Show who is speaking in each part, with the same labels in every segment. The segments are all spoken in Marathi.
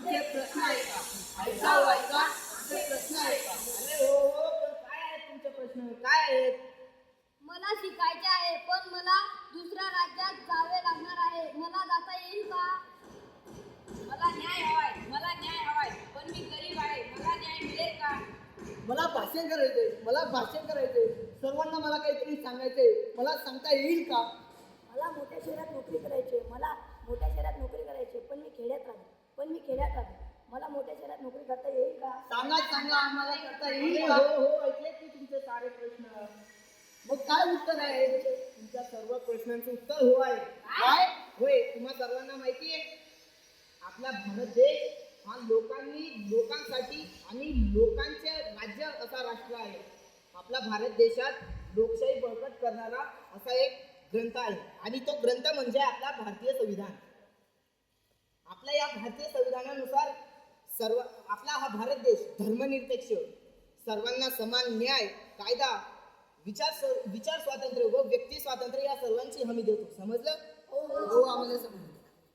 Speaker 1: आमचे प्रश्न ऐका. ऐका हो ऐका, आमचे प्रश्न ऐका.
Speaker 2: अरे हो हो, पण काय आहेत तुमचे प्रश्न? काय आहेत?
Speaker 3: मला शिकायचे आहे, पण मला दुसऱ्या राज्यात जावे लागणार आहे. मला जाता येईल का?
Speaker 4: मला न्याय हवाय, मला न्याय हवाय, पण मी गरीब आहे. मला न्याय मिळेल का?
Speaker 1: मला भाषण करायचंय, मला भाषण करायचंय. सर्वांना मला काहीतरी सांगायचंय. मला सांगता येईल का?
Speaker 5: मला मोठ्या शहरात नोकरी करायची आहे. मला मोठ्या शहरात नोकरी करायची आहे, पण मी खेड्यात राहतो. मला मोठ्या शहरात नोकरी करता येईल का?
Speaker 1: सांगा आम्हाला करता येईल
Speaker 2: अरे
Speaker 1: का?
Speaker 2: हो हो, ऐकले की तुमचे सारे प्रश्न.
Speaker 1: मग काय उत्तर आहे?
Speaker 2: तुमच्या सर्व प्रश्नांचं उत्तर हो आहे.
Speaker 1: काय?
Speaker 2: होय, तुम्हा सर्वांना माहिती आहे आपला भारत देश हा लोकांसाठी आणि लोकांचे राज्य असा राष्ट्र आहे. आपला भारत देशात लोकशाही बळकट करणारा असा एक ग्रंथ आहे आणि तो ग्रंथ म्हणजे आपला भारतीय संविधान. आपल्या या भारतीय संविधानानुसार आपला हा भारत देश धर्मनिरपेक्ष, सर्वांना समान न्याय, कायदा, विचार स्वातंत्र्य व व्यक्ती स्वातंत्र्य या सर्वांची हमी देतो. समजलं?
Speaker 1: हो आम्हाला समजलं.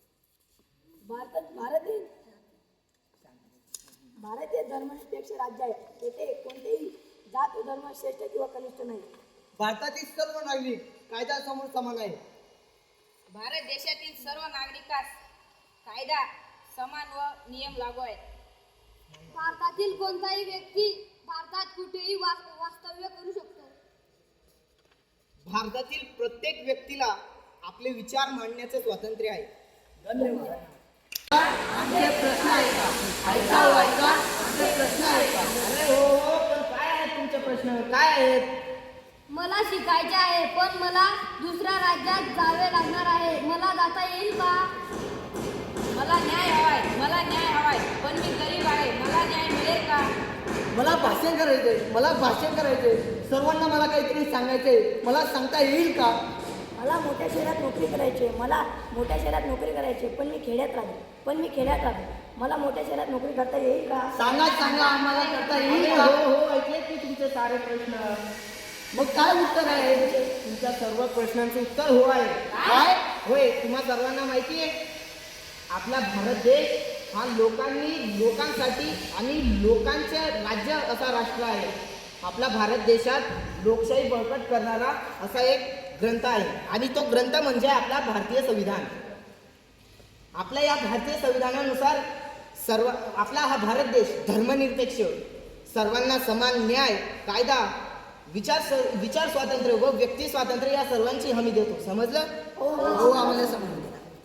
Speaker 5: भारत हे धर्मनिरपेक्ष राज्य आहे. येथे कोणतेही जात व धर्म श्रेष्ठ किंवा कनिष्ठ नाही.
Speaker 1: भारतातील सर्व नागरिक कायद्यासमोर समान आहे.
Speaker 4: भारत देशातील सर्व नागरिकास कायदा समान व नियम लागू आहेत.
Speaker 3: भारतातील कोणताही व्यक्ती भारतात कुठेही वास्तव्य करू शकतो.
Speaker 2: भारतातील प्रत्येक व्यक्तीला आपले विचार मांडण्याचे स्वातंत्र्य आहे.
Speaker 1: धन्यवाद. आमचे प्रश्न ऐका. ऐका हो ऐका, आमचे प्रश्न ऐका.
Speaker 2: अरे हो हो, पण काय आहेत तुमचे प्रश्न? काय आहेत?
Speaker 3: मला शिकायचे आहे, पण मला दुसऱ्या राज्यात जावे लागणार आहे. मला जाता येईल का?
Speaker 4: मला न्याय हवाय, मला न्याय हवाय, पण मी गरीब आहे. मला न्याय मिळेल का?
Speaker 1: मला भाषण करायचंय, मला भाषण करायचंय. सर्वांना मला काहीतरी सांगायचंय. मला सांगता येईल का?
Speaker 5: मला मोठ्या शहरात नोकरी करायची आहे. पण मी खेड्यात राहतो. मला मोठ्या शहरात नोकरी करता येईल का?
Speaker 1: सांगा आम्हाला करता येईल
Speaker 2: अरे
Speaker 1: का?
Speaker 2: हो हो, ऐकले की तुमचे सारे प्रश्न.
Speaker 1: मग काय उत्तर आहे?
Speaker 2: तुमच्या सर्व प्रश्नांचं उत्तर हो आहे.
Speaker 1: काय?
Speaker 2: होय, तुम्हा सर्वांना माहिती आहे आपला भारत देश हा लोकांसाठी आणि लोकांचे राज्य असा राष्ट्र आहे. आपला भारत देशात लोकशाही बळकट करणारा असा एक ग्रंथ आहे आणि तो ग्रंथ म्हणजे आपला भारतीय संविधान. आपल्या या भारतीय संविधानानुसार आपला हा भारत देश धर्मनिरपेक्ष, सर्वांना समान न्याय, कायदा, विचार स्वातंत्र्य व व्यक्ती स्वातंत्र्य या सर्वांची हमी देतो. समजलं?
Speaker 1: हो आम्हाला समजलं.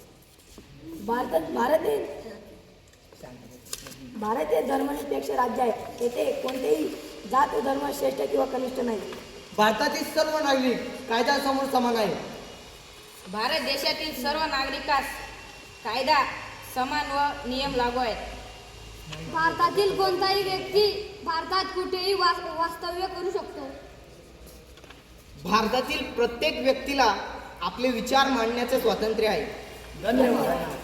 Speaker 5: भारत हे धर्मनिरपेक्ष राज्य आहे. येथे कोणतेही जात व धर्म श्रेष्ठ किंवा कनिष्ठ नाही.
Speaker 1: भारतातील सर्व नागरिक कायद्यासमोर समान आहे.
Speaker 4: भारत देशातील सर्व नागरिकास कायदा समान व नियम लागू आहेत.
Speaker 3: भारतातील कोणताही व्यक्ती भारतात कुठेही वास्तव्य करू शकतो.
Speaker 2: भारतातील प्रत्येक व्यक्तीला आपले विचार मांडण्याचे स्वातंत्र्य आहे.
Speaker 1: धन्यवाद.